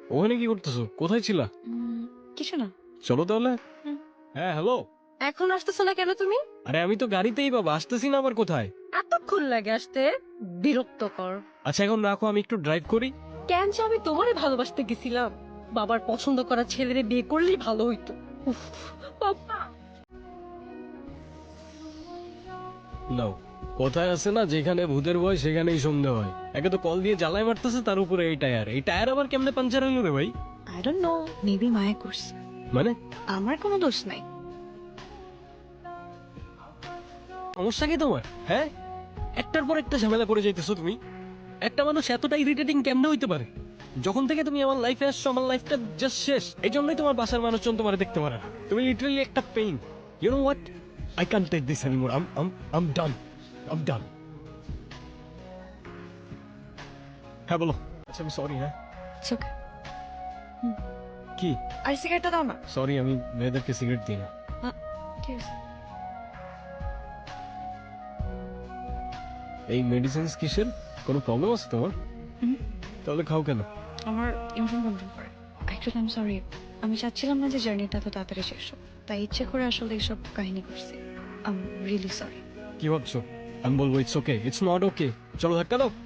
ওখানে কি করতেছো? কোথায় ছিলা? কিছু না। চলো তাহলে। হুম। হ্যাঁ হ্যালো। এখন আসতেছো না কেন তুমি? আরে আমি তো গাড়িতেই বাবা, আসতেছি না আবার কোথায়? এতক্ষণ লাগে আসতে, বিরক্তকর। আচ্ছা এখন রাখো, আমি একটু ড্রাইভ করি। কেন যে আমি তোমারে ভালোবাসতে গেছিলাম, বাবার পছন্দ করা ছেলেরে বিয়ে করলেই ভালো হইতো। উফ, বাবা। নাও, কোথায় আছে না, যেখানে ভূতের ভয় সেখানেই সন্দেহ হয়। একে তো কল দিয়ে জ্বালায় মারতেছে, তার উপরে এই টায়ার আবার কেমনে পাঞ্চার হলো রে ভাই? আই ডোন্ট নো, মেবি মায়া করছে। মানে আমার কোনো দোষ নাই। সমস্যা কি তোমার? হ্যাঁ, একটার পর একটা ঝামেলা পড়ে যাইতেছো তুমি। একটা মানুষ এতটা ইরিটেটিং কেমনে হইতে পারে? যখন থেকে তুমি আমার লাইফে আসছো, আমার লাইফটা জাস্ট শেষ। এই জন্যই তোমার বাসার মানুষজন তোমার দেখতে পারে না। তুমি লিটারালি একটা pain. You know what, I can't take this anymore. I'm done, I'm done. হ্যাঁ বলো। আচ্ছা আমি সরি। হ্যাঁ It's okay. কি? আর সিগারেটটা দাও না। সরি, আমি মেয়েদেরকে সিগারেট দিই না। ঠিক আছে। এই মেডিসিনস কিসের? কোনো প্রবলেম আছে তোমার? হুম। তাহলে খাও কেন? আমার ইমোশন কন্ট্রোল করে। অ্যাকচুয়ালি আমি সরি, আমি চাচ্ছিলাম না যে জার্নিটা তো তাড়াতাড়ি শেষ হোক, তাই ইচ্ছে করে আসলে এইসব কাহিনী করছি। I am really sorry. কি ভাবছো? আমি বলবো it's okay, it's not okay. চলো ধাক্কা দাও।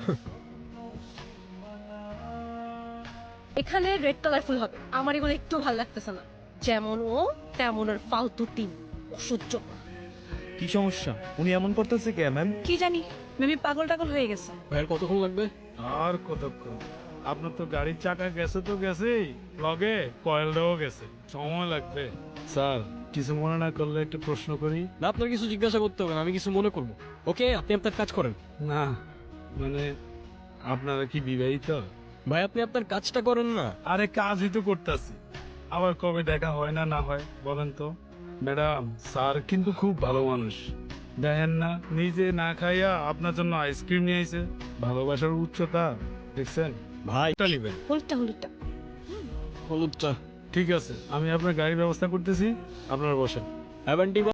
এখানে রেড কালার ফুল হবে, আমার এগুলো একটু ভালো লাগতেছে না। যেমন ও তেমন ওর ফালতু টিম, অসহ্য। কি সমস্যা? উনি এমন করতেছে কে ম্যাম? কি জানি, মেবি পাগল টাগল হয়ে গেছে। ভাইয়ের কতক্ষণ লাগবে? আর কতক্ষণ? আপনার তো গাড়ির চাকা গেছে তো গেছেই, লগে কয়েলটাও গেছে, সময় লাগবে। স্যার, কিছু মনে না করলে একটু প্রশ্ন করি? না, আপনার কিছু জিজ্ঞাসা করতে হবে না, আমি কিছু মনে করবো। ওকে, আপনি আপনার কাজ করেন। না, মানে আপনারা কি বিবাহিত? ভাই আপনি আপনার কাজটা করেন না। আরে কাজই তো করতেছি, আবার কবে দেখা হয় না না হয় বলেন তো? ম্যাডাম, স্যার কিন্তু খুব ভালো মানুষ। দেখেন না, নিজে না খাইয়া আপনার জন্য আইসক্রিম নিয়ে আইছে। ভালোবাসার উচ্চতা দেখছেন? ভাই এটা নিবেন। হলুদটা হলুদটা। হলুদটা। ঠিক আছে, আমি আপনার গাড়ির ব্যবস্থা করতেছি, আপনারা বসেন। হ্যাভেন্টি